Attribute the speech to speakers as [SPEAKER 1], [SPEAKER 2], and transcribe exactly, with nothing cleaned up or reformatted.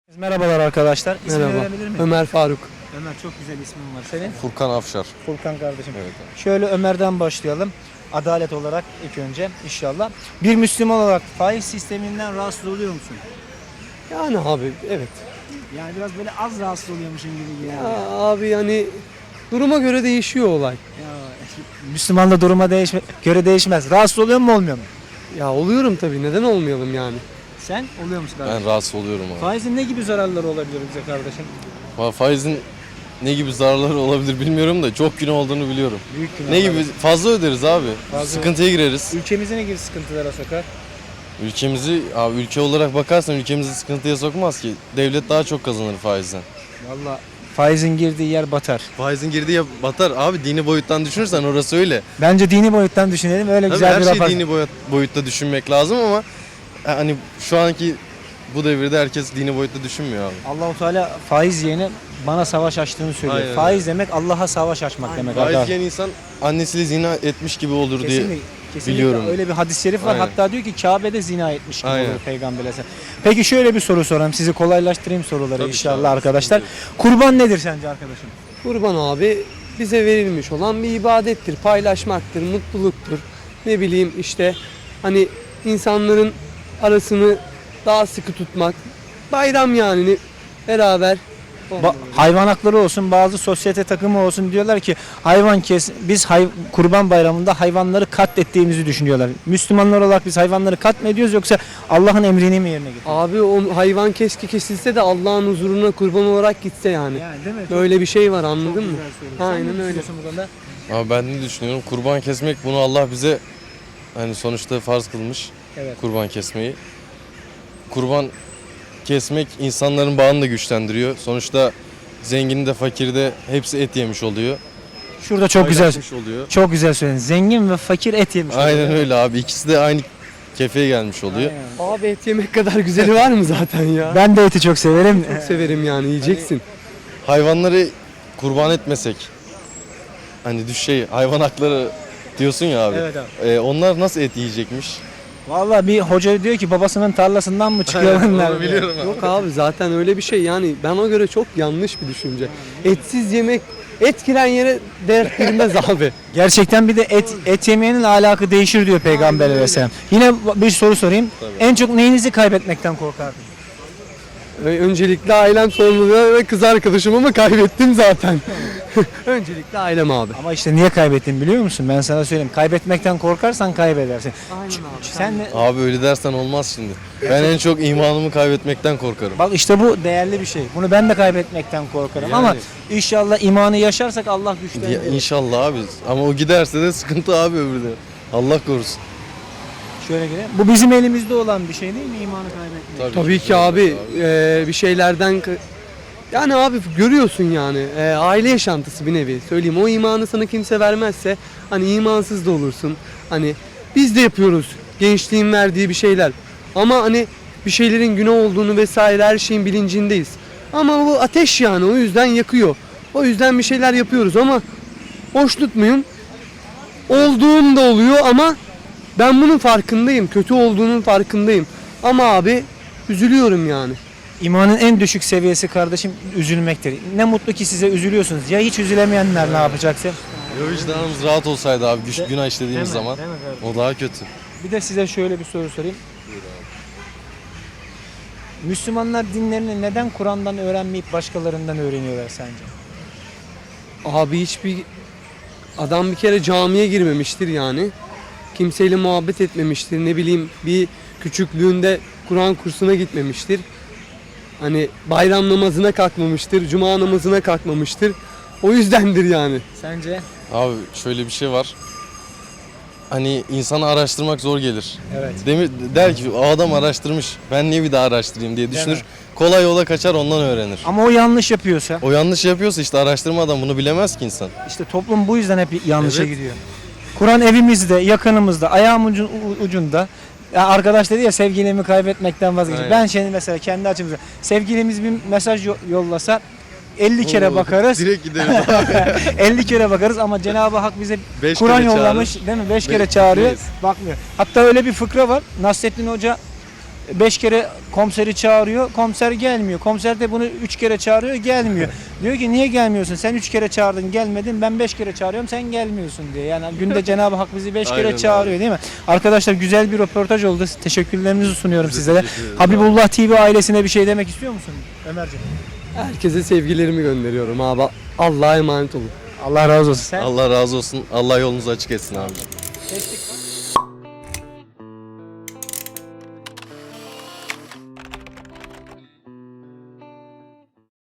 [SPEAKER 1] Merhabalar arkadaşlar. İsmini
[SPEAKER 2] Merhaba.
[SPEAKER 1] öğrenebilir miyim?
[SPEAKER 2] Ömer Faruk.
[SPEAKER 1] Ömer, çok güzel ismin var senin.
[SPEAKER 3] Furkan Afşar.
[SPEAKER 1] Furkan kardeşim.
[SPEAKER 3] Evet.
[SPEAKER 1] Şöyle Ömer'den başlayalım. Adalet olarak ilk önce inşallah. Bir Müslüman olarak faiz sisteminden rahatsız oluyor musun?
[SPEAKER 2] Yani abi evet.
[SPEAKER 1] Yani biraz böyle az rahatsız oluyormuşsun gibi
[SPEAKER 2] Ya
[SPEAKER 1] geliyor.
[SPEAKER 2] abi yani duruma göre değişiyor olay.
[SPEAKER 1] Ya, Müslümanla duruma değişme, göre değişmez. Rahatsız oluyor mu olmuyor mu?
[SPEAKER 2] Ya oluyorum tabii, neden olmayalım yani.
[SPEAKER 1] Sen oluyor musun kardeşim?
[SPEAKER 3] Ben rahatsız oluyorum abi.
[SPEAKER 1] Faizin ne gibi zararları olabilir bize kardeşim?
[SPEAKER 3] Fa- Faizin ne gibi zararları olabilir bilmiyorum da çok günah olduğunu biliyorum.
[SPEAKER 1] Büyük günah.
[SPEAKER 3] Ne gibi? Fazla öderiz abi.
[SPEAKER 1] Fazla-
[SPEAKER 3] Sıkıntıya gireriz.
[SPEAKER 1] Ülkemizi ne gibi sıkıntılara sokar?
[SPEAKER 3] Ülkemizi, abi ülke olarak bakarsan ülkemizi sıkıntıya sokmaz ki. Devlet daha çok kazanır faizden.
[SPEAKER 1] Valla faizin girdiği yer batar.
[SPEAKER 3] Faizin girdiği yer batar. Abi dini boyuttan düşünürsen orası öyle.
[SPEAKER 1] Bence dini boyuttan düşünelim. Öyle
[SPEAKER 3] Tabii
[SPEAKER 1] güzel
[SPEAKER 3] her
[SPEAKER 1] bir
[SPEAKER 3] şeyi
[SPEAKER 1] rapor.
[SPEAKER 3] dini boyut, boyutta düşünmek lazım ama hani şu anki bu devirde herkes dini boyutta düşünmüyor abi.
[SPEAKER 1] Allahu Teala faiz yiyene bana savaş açtığını söylüyor.
[SPEAKER 3] Aynen
[SPEAKER 1] Faiz demek Allah'a savaş açmak demek.
[SPEAKER 3] Faiz
[SPEAKER 1] arkadaşlar.
[SPEAKER 3] yiyen insan annesiyle zina etmiş gibi olur diye.
[SPEAKER 1] Kesinlikle, kesinlikle
[SPEAKER 3] biliyorum.
[SPEAKER 1] öyle bir hadis-i şerif var.
[SPEAKER 3] Aynen.
[SPEAKER 1] Hatta diyor ki Kabe'de zina etmiş gibi
[SPEAKER 3] Aynen.
[SPEAKER 1] olur Peygamber'e. Peki şöyle bir soru sorayım. Sizi kolaylaştırayım soruları
[SPEAKER 3] Tabii
[SPEAKER 1] inşallah
[SPEAKER 3] ki abi,
[SPEAKER 1] arkadaşlar.
[SPEAKER 3] sıkıntı
[SPEAKER 1] Kurban nedir sence arkadaşım?
[SPEAKER 2] Kurban abi bize verilmiş olan bir ibadettir, paylaşmaktır, mutluluktur. Ne bileyim işte hani insanların arasını daha sıkı tutmak. Bayram yani beraber.
[SPEAKER 1] Ba- hayvan hakları olsun, bazı sosyete takımı olsun diyorlar ki hayvan kes biz hay- Kurban Bayramı'nda hayvanları katlettiğimizi düşünüyorlar. Müslümanlar olarak biz hayvanları katmediyoruz yoksa Allah'ın emrini mi yerine getiriyoruz?
[SPEAKER 2] Abi o hayvan keşke kesilse de Allah'ın huzuruna kurban olarak gitse yani.
[SPEAKER 1] Yani değil mi?
[SPEAKER 2] Böyle bir şey var, anladın mı? Aynen
[SPEAKER 1] Aynen
[SPEAKER 2] öyle.
[SPEAKER 1] öyle. Bu konuda?
[SPEAKER 3] Ama ben ne düşünüyorum? Kurban kesmek, bunu Allah bize hani sonuçta farz kılmış.
[SPEAKER 1] Evet.
[SPEAKER 3] Kurban kesmeyi. Kurban kesmek insanların bağını da güçlendiriyor. Sonuçta zengini de fakiri de hepsi et yemiş oluyor.
[SPEAKER 1] Şurada çok güzel
[SPEAKER 3] Paylaşmış oluyor.
[SPEAKER 1] çok güzel söyledin. Zengin ve fakir et yemiş.
[SPEAKER 3] Aynen
[SPEAKER 1] oluyor.
[SPEAKER 3] öyle abi. İkisi de aynı kefeye gelmiş oluyor.
[SPEAKER 1] Aynen.
[SPEAKER 2] Abi et yemek kadar güzeli var mı zaten ya?
[SPEAKER 1] Ben de eti çok severim.
[SPEAKER 2] Çok severim yani, yiyeceksin.
[SPEAKER 3] Hayvanları kurban etmesek, hani düş şey hayvan hakları diyorsun ya abi.
[SPEAKER 1] Evet abi.
[SPEAKER 3] Ee, onlar nasıl et yiyecekmiş?
[SPEAKER 1] Vallahi bir hoca diyor ki babasının tarlasından mı çıkıyor
[SPEAKER 3] Aynen,
[SPEAKER 1] bunlar?
[SPEAKER 3] onu biliyorum abi.
[SPEAKER 2] Yok abi zaten öyle bir şey yani, bana göre çok yanlış bir düşünce. Etsiz yemek, et giren yere dert girmez abi.
[SPEAKER 1] Gerçekten bir de et et yemeyenin ahlakı değişir diyor Peygamber Aleyhisselam. Yine bir soru sorayım.
[SPEAKER 3] Tabii.
[SPEAKER 1] En çok neyinizi kaybetmekten korkardın?
[SPEAKER 2] Ve öncelikle ailem, sonra ve kız arkadaşım, ama kaybettim zaten. Öncelikle ailem abi.
[SPEAKER 1] Ama işte niye kaybettin biliyor musun? Ben sana söyleyeyim. Kaybetmekten korkarsan kaybedersin.
[SPEAKER 2] Aynen abi.
[SPEAKER 1] Sen de,
[SPEAKER 3] Abi öyle dersen olmaz şimdi. Ben en çok imanımı kaybetmekten korkarım.
[SPEAKER 1] bak işte bu değerli bir şey. Bunu ben de kaybetmekten korkarım
[SPEAKER 3] Yani.
[SPEAKER 1] ama inşallah imanı yaşarsak Allah
[SPEAKER 3] Ya,
[SPEAKER 1] güçlendirir.
[SPEAKER 3] inşallah abi. Ama o giderse de sıkıntı abi öbürü de. Allah korusun.
[SPEAKER 1] Şöyle gelelim. Bu bizim elimizde olan bir şey değil mi imanı kaybetmek?
[SPEAKER 2] Tabii ki abi, eee, bir şeylerden ka- yani abi görüyorsun yani, eee, aile yaşantısı bir nevi söyleyeyim, o imanı sana kimse vermezse hani imansız da olursun. Hani biz de yapıyoruz gençliğin verdiği bir şeyler ama hani bir şeylerin günah olduğunu vesaire her şeyin bilincindeyiz ama bu ateş yani, o yüzden yakıyor, o yüzden bir şeyler yapıyoruz ama hoşnut muyum? Olduğum da oluyor ama ben bunun farkındayım, kötü olduğunun farkındayım ama abi üzülüyorum yani.
[SPEAKER 1] İmanın en düşük seviyesi kardeşim üzülmektir. Ne mutlu ki size üzülüyorsunuz. Ya hiç üzülemeyenler ne yapacaksın?
[SPEAKER 3] Ya vicdanımız rahat olsaydı abi güç, günah işlediğimiz zaman
[SPEAKER 1] Değil mi kardeşim?
[SPEAKER 3] o daha kötü.
[SPEAKER 1] Bir de size şöyle bir soru sorayım. Müslümanlar dinlerini neden Kur'an'dan öğrenmeyip başkalarından öğreniyorlar sence?
[SPEAKER 2] Abi hiçbir adam bir kere camiye girmemiştir yani. Kimseyle muhabbet etmemiştir. Ne bileyim bir küçüklüğünde Kur'an kursuna gitmemiştir. Hani bayram namazına kalkmamıştır, cuma namazına kalkmamıştır. O yüzdendir yani.
[SPEAKER 1] Sence?
[SPEAKER 3] Abi şöyle bir şey var. Hani insanı araştırmak zor gelir.
[SPEAKER 1] Evet.
[SPEAKER 3] Demir, der ki o adam araştırmış. Ben niye bir daha araştırayım diye düşünür.
[SPEAKER 1] mi?
[SPEAKER 3] Kolay yola kaçar ondan öğrenir.
[SPEAKER 1] Ama o yanlış yapıyorsa,
[SPEAKER 3] O yanlış yapıyorsa işte araştırmadan bunu bilemez ki insan.
[SPEAKER 1] işte toplum bu yüzden hep yanlışa
[SPEAKER 3] Evet.
[SPEAKER 1] gidiyor. Kur'an evimizde, yakınımızda, ayağımın ucu- ucunda. Ya arkadaş dedi ya sevgilimi kaybetmekten vazgeçtim.
[SPEAKER 3] Aynen.
[SPEAKER 1] Ben şimdi mesela kendi açımızda sevgilimiz bir mesaj yo- yollasa elli kere
[SPEAKER 3] Oo,
[SPEAKER 1] bakarız.
[SPEAKER 3] Direkt gideriz abi.
[SPEAKER 1] elli kere bakarız ama Cenab-ı Hak bize
[SPEAKER 3] Beş
[SPEAKER 1] Kur'an
[SPEAKER 3] kere
[SPEAKER 1] yollamış
[SPEAKER 3] çağırır.
[SPEAKER 1] değil mi? beş
[SPEAKER 3] Be-
[SPEAKER 1] kere çağırıyor,
[SPEAKER 3] Beş.
[SPEAKER 1] bakmıyor. Hatta öyle bir fıkra var. Nasrettin Hoca beş kere komiseri çağırıyor, komiser gelmiyor. Komiser de bunu üç kere çağırıyor, gelmiyor. Diyor ki niye gelmiyorsun? Sen üç kere çağırdın, gelmedin. Ben beş kere çağırıyorum, sen gelmiyorsun diye. Yani günde Cenab-ı Hak bizi beş kere
[SPEAKER 3] Aynen
[SPEAKER 1] çağırıyor değil mi? Arkadaşlar güzel bir röportaj oldu. Teşekkürlerimizi sunuyorum
[SPEAKER 3] Biz de
[SPEAKER 1] sizlere.
[SPEAKER 3] teşekkür ederiz.
[SPEAKER 1] Habibullah T V ailesine bir şey demek istiyor musun Ömerciğim?
[SPEAKER 2] Herkese sevgilerimi gönderiyorum abi. Allah'a emanet olun.
[SPEAKER 1] Allah razı olsun. Sen?
[SPEAKER 3] Allah razı olsun. Allah yolunuzu açık etsin abi.
[SPEAKER 1] Geçtik.